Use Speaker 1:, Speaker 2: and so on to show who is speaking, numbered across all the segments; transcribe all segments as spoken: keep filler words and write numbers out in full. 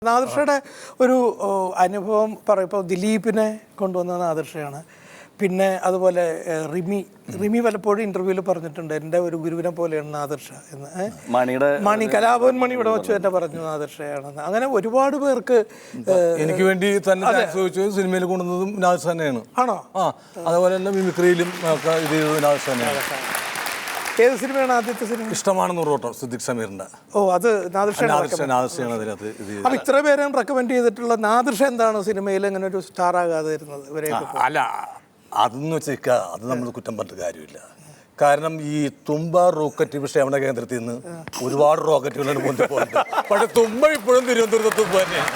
Speaker 1: നാദിർഷയുടെ ഒരു അനുഭവം പറയുമ്പോൾ ദിലീപിനെ കൊണ്ടുവന്ന നാദിർഷയാണ്. പിന്നെ അതുപോലെ റിമി റിമി പലപ്പോഴും ഇന്റർവ്യൂവിൽ പറഞ്ഞിട്ടുണ്ട് എൻ്റെ ഒരു ഗുരുവിനെ പോലെയാണ് നാദിർഷ എന്ന്.
Speaker 2: മണിയുടെ
Speaker 1: മണി കലാഭവൻ മണി ഇവിടെ വെച്ച് തന്നെ പറഞ്ഞു നാദിർഷയാണെന്ന്. അങ്ങനെ ഒരുപാട് പേർക്ക്
Speaker 3: എനിക്ക് വേണ്ടി തന്നെ ചോദിച്ചു സിനിമയിൽ കൊണ്ടുവന്നതും നാദിർഷ തന്നെയാണ്.
Speaker 1: ആണോ?
Speaker 3: ആ, അതുപോലെ തന്നെ മിമിക്രിയിലും ഒക്കെ ഇത് ചെയ്തത് നാദിർഷ തന്നെയാണ്.
Speaker 1: ഏത് സിനിമയാണ് ആദ്യത്തെ സിനിമ?
Speaker 3: ഇഷ്ടമാണ് നൂറോട്ടം, സിദ്ദിഖ് സമീറിന്റെ.
Speaker 1: ഓ, അത് നാദിർഷയാണ്. അപ്പൊ ഇത്ര പേരും റെക്കമെൻഡ് ചെയ്തിട്ടുള്ള നാദിർഷ എന്താണ് സിനിമയിൽ ഇങ്ങനെ ഒരു സ്റ്റാർ ആകാതെ വരുന്നത് ഇവരെയൊക്കെ?
Speaker 3: അല്ല, അതെന്ന് വെച്ചാൽ അത് നമ്മൾ കുറ്റം പറഞ്ഞിട്ട് കാര്യമില്ല. കാരണം ഈ തുമ്പ റോക്കറ്റ് വിക്ഷേപണ കേന്ദ്രത്തിൽ നിന്ന് ഒരുപാട് റോക്കറ്റുകളാണ് പൊന്തി പോകുന്നത്. പക്ഷെ തുമ്പ ഇപ്പോഴും തിരുവനന്തപുരത്ത് തുമ്പ തന്നെയാണ്.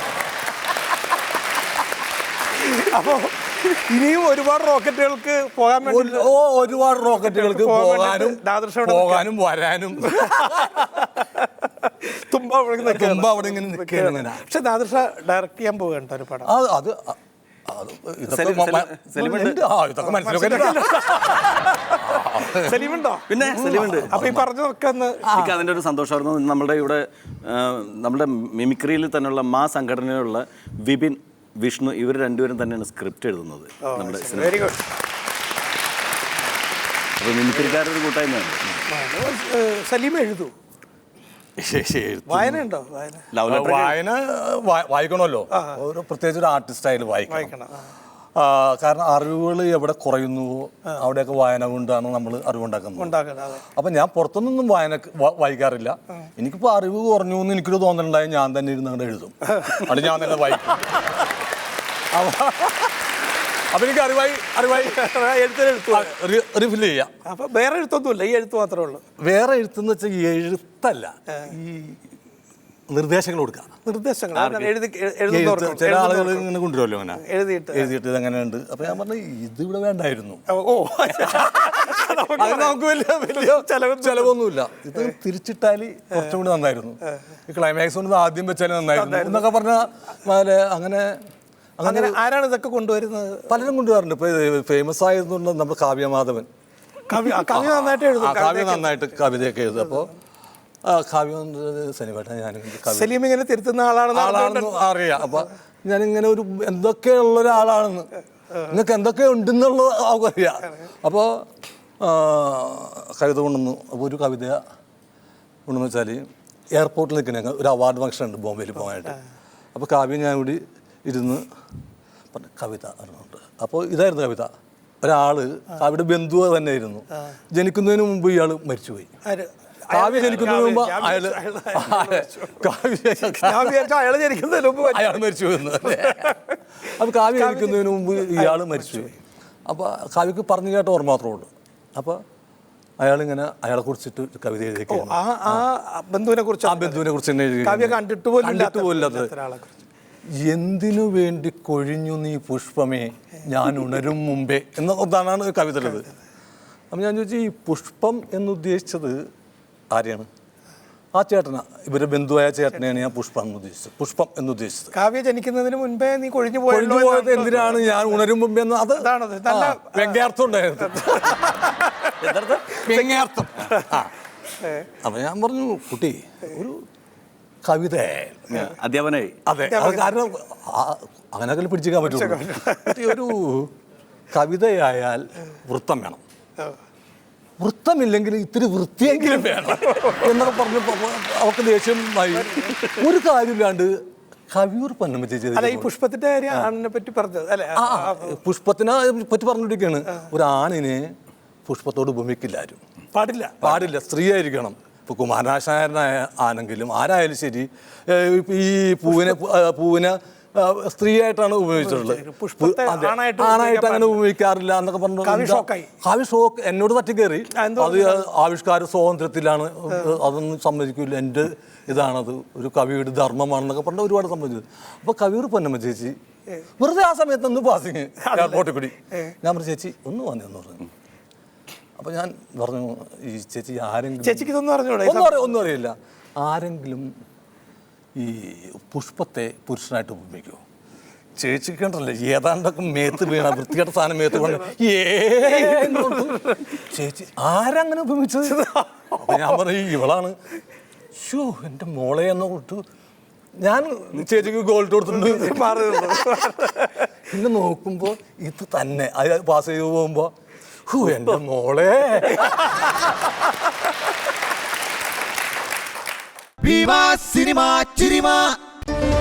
Speaker 1: അപ്പോൾ ഇനിയും ഒരുപാട് റോക്കറ്റുകൾക്ക് പോകാൻ വേണ്ടി
Speaker 3: ഓ ഒരുപാട് റോക്കറ്റുകൾക്ക് പോകാനും പോകാനും വരാനും
Speaker 1: തുമ്പ
Speaker 3: തുമ്പ അവിടെ ഇങ്ങനെ നിൽക്കുകയാണ്.
Speaker 1: പക്ഷെ നാദിർഷ ഡയറക്റ്റ് ചെയ്യാൻ പോകണ്ട ഒരു പടം.
Speaker 3: അത്
Speaker 1: സലീമുണ്ടോ?
Speaker 2: പിന്നെ സലീമുണ്ട്.
Speaker 1: അപ്പൊ ഈ പറഞ്ഞതൊക്കെ
Speaker 2: എനിക്ക് അതിൻ്റെ ഒരു സന്തോഷമായിരുന്നു. നമ്മുടെ ഇവിടെ നമ്മുടെ മിമിക്രിയിൽ തന്നെയുള്ള മാ സംഘടനയിലുള്ള വിപിൻ, വിഷ്ണു, ഇവർ രണ്ടുപേരും തന്നെയാണ് സ്ക്രിപ്റ്റ് എഴുതുന്നത് നമ്മുടെ സിനിമ.
Speaker 1: Very good.
Speaker 2: അപ്പോൾ മിമിക്രിക്കാരൊരു കൂട്ടായ്മയാണ്.
Speaker 1: സലീം എഴുതൂ? വായന ഉണ്ടോ?
Speaker 3: വായന വായിക്കണമല്ലോ, ഒരു പ്രത്യേകിച്ച് ഒരു ആർട്ടിസ്റ്റ് ആയാലും വായിക്കണം. കാരണം അറിവുകൾ എവിടെ കുറയുന്നുവോ അവിടെയൊക്കെ വായന കൊണ്ടാണ് നമ്മൾ അറിവുണ്ടാക്കുന്നത്. അപ്പം ഞാൻ പുറത്തുനിന്നൊന്നും വായന വായിക്കാറില്ല. എനിക്കിപ്പോൾ അറിവ് കുറഞ്ഞു എന്ന് എനിക്കൊരു തോന്നലുണ്ടായി ഞാൻ തന്നെ ഇരുന്ന് അങ്ങോട്ട് എഴുതും. അത് ഞാൻ തന്നെ വായിക്കും. അപ്പൊ എനിക്ക് അറിവായി അറിവായി റിഫിൽ ചെയ്യാം.
Speaker 1: അപ്പൊ വേറെ എഴുത്തൊന്നുമില്ല, ഈ എഴുത്ത് മാത്രമേ ഉള്ളൂ.
Speaker 3: വേറെ എഴുത്തെന്ന് വെച്ചാൽ എഴുത്തല്ല, ഈ നിർദ്ദേശങ്ങൾ കൊടുക്കുക.
Speaker 1: നിർദ്ദേശങ്ങൾ
Speaker 3: ചില ആളുകൾ ഇങ്ങനെ കൊണ്ടുവരുമല്ലോ, അങ്ങനെ
Speaker 1: എഴുതിയിട്ട്
Speaker 3: എഴുതിയിട്ട് ഇതെങ്ങനെ ഉണ്ട്. അപ്പൊ ഞാൻ പറഞ്ഞു ഇത് ഇവിടെ വേണ്ടായിരുന്നു.
Speaker 1: ഓ,
Speaker 3: അത് നമുക്ക് വലിയ വലിയ ചെലവൊന്നുമില്ല. ഇത് തിരിച്ചിട്ടാൽ കുറച്ചും കൂടി നന്നായിരുന്നു. ഈ ക്ലൈമാക്സ് കൊണ്ട് ആദ്യം വെച്ചാൽ നന്നായിരുന്നു എന്നൊക്കെ പറഞ്ഞാൽ അങ്ങനെ
Speaker 1: അങ്ങനെ ആരാണ് ഇതൊക്കെ കൊണ്ടുവരുന്നത്?
Speaker 3: പലരും കൊണ്ടുവരുന്നുണ്ട്. ഇപ്പൊ ഫേമസ് ആയതുകൊണ്ട് നമ്മുടെ കാവ്യമാധവൻ
Speaker 1: കവി കവി നന്നായിട്ട് എഴുതും.
Speaker 3: കാവ്യ നന്നായിട്ട് കവിതയൊക്കെ എഴുതും. അപ്പോൾ കാവ്യം സനിവേട്ട ഞാൻ
Speaker 1: സലീം ഇങ്ങനെ തിരുത്തുന്ന ആളാണെന്ന്
Speaker 3: ആളാണെന്ന് അറിയാം. അപ്പൊ ഞാനിങ്ങനെ ഒരു എന്തൊക്കെയുള്ള ഒരാളാണെന്ന്, നിങ്ങൾക്ക് എന്തൊക്കെ ഉണ്ടെന്നുള്ളത് അവർക്കറിയാം. അപ്പോൾ കവിത കൊണ്ടുവന്നു. അപ്പോൾ ഒരു കവിത കൊണ്ടെന്ന് വെച്ചാൽ എയർപോർട്ടിൽ നിൽക്കുന്ന ഒരു അവാർഡ് ഫംഗ്ഷൻ ഉണ്ട് ബോംബെയിൽ പോകാനായിട്ട്. അപ്പോൾ കാവ്യം ഞാൻ കൂടി ഇരുന്ന് പറഞ്ഞു കവിത അറിഞ്ഞുണ്ട്. അപ്പോൾ ഇതായിരുന്നു കവിത. ഒരാള് കാവ്യയുടെ ബന്ധു തന്നെയായിരുന്നു. ജനിക്കുന്നതിന് മുമ്പ് ഇയാൾ മരിച്ചുപോയി. കാവ്യ ജനിക്കുന്നതിന് മുമ്പ് അയാള്
Speaker 1: അയാൾ ജനിക്കുന്നതിന് മുമ്പ്
Speaker 3: അയാൾ മരിച്ചു പോയി. അപ്പോൾ കാവ്യ ജനിക്കുന്നതിന് മുമ്പ് ഇയാൾ മരിച്ചുപോയി. അപ്പോൾ കാവ്യക്ക് പറഞ്ഞു കേട്ട ഓർമ്മ മാത്രമേ ഉള്ളൂ. അപ്പോൾ അയാളിങ്ങനെ അയാളെ കുറിച്ചിട്ട് കവിത എഴുതിയൊക്കെയാണ്.
Speaker 1: ആ ബന്ധുവിനെ കുറിച്ച് ആ
Speaker 3: ബന്ധുവിനെ കുറിച്ച് തന്നെ എഴുതി.
Speaker 1: കാവ്യ കണ്ടിട്ട് പോലും
Speaker 3: കണ്ടിട്ട് പോലില്ലാത്തത്. എന്തിനു വേണ്ടി കൊഴിഞ്ഞു നീ പുഷ്പമേ ഞാൻ ഉണരും മുമ്പേ എന്നതാണ് കവിത ഉള്ളത്. അപ്പം ഞാൻ ചോദിച്ചു ഈ പുഷ്പം എന്നുദ്ദേശിച്ചത് ആരെയാണ്? ആ ചേട്ടനാ, ഇവരുടെ ബന്ധുവായ ചേട്ടനെയാണ് ഞാൻ പുഷ്പം എന്ന് ഉദ്ദേശിച്ചത്. പുഷ്പം എന്നുദ്ദേശിച്ചത്
Speaker 1: കാവ്യ ജനിക്കുന്നതിന് മുൻപേ നീ കൊഴിഞ്ഞു
Speaker 3: കൊഴിഞ്ഞു പോയത് എന്തിനാണ് ഞാൻ ഉണരും മുമ്പേ എന്ന്. അത് വ്യംഗ്യാർത്ഥം ഉണ്ടായിരുന്നു. വ്യംഗ്യാർത്ഥം. അപ്പം ഞാൻ പറഞ്ഞു കുട്ടി ഒരു കവിത
Speaker 2: അധ്യാപനായി.
Speaker 3: അതെ, അത് കാരണം അങ്ങനെയൊക്കെ പിടിച്ചിരിക്കാൻ പറ്റുള്ളൂ. ഒരു കവിതയായാൽ വൃത്തം വേണം. വൃത്തമില്ലെങ്കിൽ ഇത്തിരി വൃത്തിയെങ്കിലും വേണം എന്നൊക്കെ പറഞ്ഞപ്പോൾ അവർക്ക് ദേഷ്യമായി. ഒരു കാര്യമില്ലാണ്ട് കവിയൂർ പൊന്നമ്മ ചേച്ചി
Speaker 1: ഈ പുഷ്പത്തിന്റെ ആണിനെ പറ്റി പറഞ്ഞത് അല്ലെ?
Speaker 3: പുഷ്പത്തിനെ പറ്റി പറഞ്ഞിരിക്കുകയാണ്. ഒരു ആണിനെ പുഷ്പത്തോട് ഉപമിക്കില്ല ആരും.
Speaker 1: പാടില്ല
Speaker 3: പാടില്ല സ്ത്രീ ആയിരിക്കണം. ഇപ്പോൾ കുമാരനാശാനായ ആണെങ്കിലും ആരായാലും ശരി ഈ പൂവിനെ പൂവിനെ സ്ത്രീയായിട്ടാണ് ഉപയോഗിച്ചിട്ടുള്ളത്. ആണായിട്ട് അങ്ങനെ ഉപയോഗിക്കാറില്ല എന്നൊക്കെ പറഞ്ഞു. കാവ്യ ഷോക്ക് എന്നോട് തട്ടിക്കയറി. അത് ആവിഷ്കാര സ്വാതന്ത്ര്യത്തിലാണ്, അതൊന്നും സമ്മതിക്കില്ല, എൻ്റെ ഇതാണത്, ഒരു കവിയുടെ ധർമ്മമാണെന്നൊക്കെ പറഞ്ഞാൽ ഒരുപാട് സമ്മതിച്ചത്. അപ്പോൾ കവിയൂർ പൊന്നമ്മ ചേച്ചി വെറുതെ ആ സമയത്ത് ഒന്ന് പാസിങ് എയർപോർട്ടിൽ കൂടി ഞാൻ പറഞ്ഞു ചേച്ചി ഒന്ന് വന്നെന്ന് പറഞ്ഞു. അപ്പോൾ ഞാൻ പറഞ്ഞു ഈ ചേച്ചി ആരെങ്കിലും
Speaker 1: ചേച്ചിക്ക് ഇതൊന്നും അറിഞ്ഞൂടെ?
Speaker 3: ഒന്നും അറിയാം ഒന്നും അറിയില്ല. ആരെങ്കിലും ഈ പുഷ്പത്തെ പുരുഷനായിട്ട് ഉപയോഗിക്കുമോ? ചേച്ചിക്ക് കണ്ടല്ലേ ഏതാണ്ടൊക്കെ മേത്ത് വീണ വൃത്തികെട്ട സാധനം മേത്ത് കൊണ്ട് ഏ ചേച്ചി ആരങ്ങനെ ഉപയോഗിച്ചത്? അപ്പം ഞാൻ പറഞ്ഞു ഇവളാണ്. ഷോ എൻ്റെ മോളെ എന്ന് കൊടുത്തു ഞാൻ ചേച്ചിക്ക് ഗോൾഡ് കൊടുത്തിട്ടുണ്ട്
Speaker 1: മാറി നിന്നു.
Speaker 3: പിന്നെ നോക്കുമ്പോ ഇത് തന്നെ അത് പാസ് ചെയ്ത് പോകുമ്പോ ഹൂ എന്റെ മോളെ.
Speaker 4: Viva Cinema Chirima.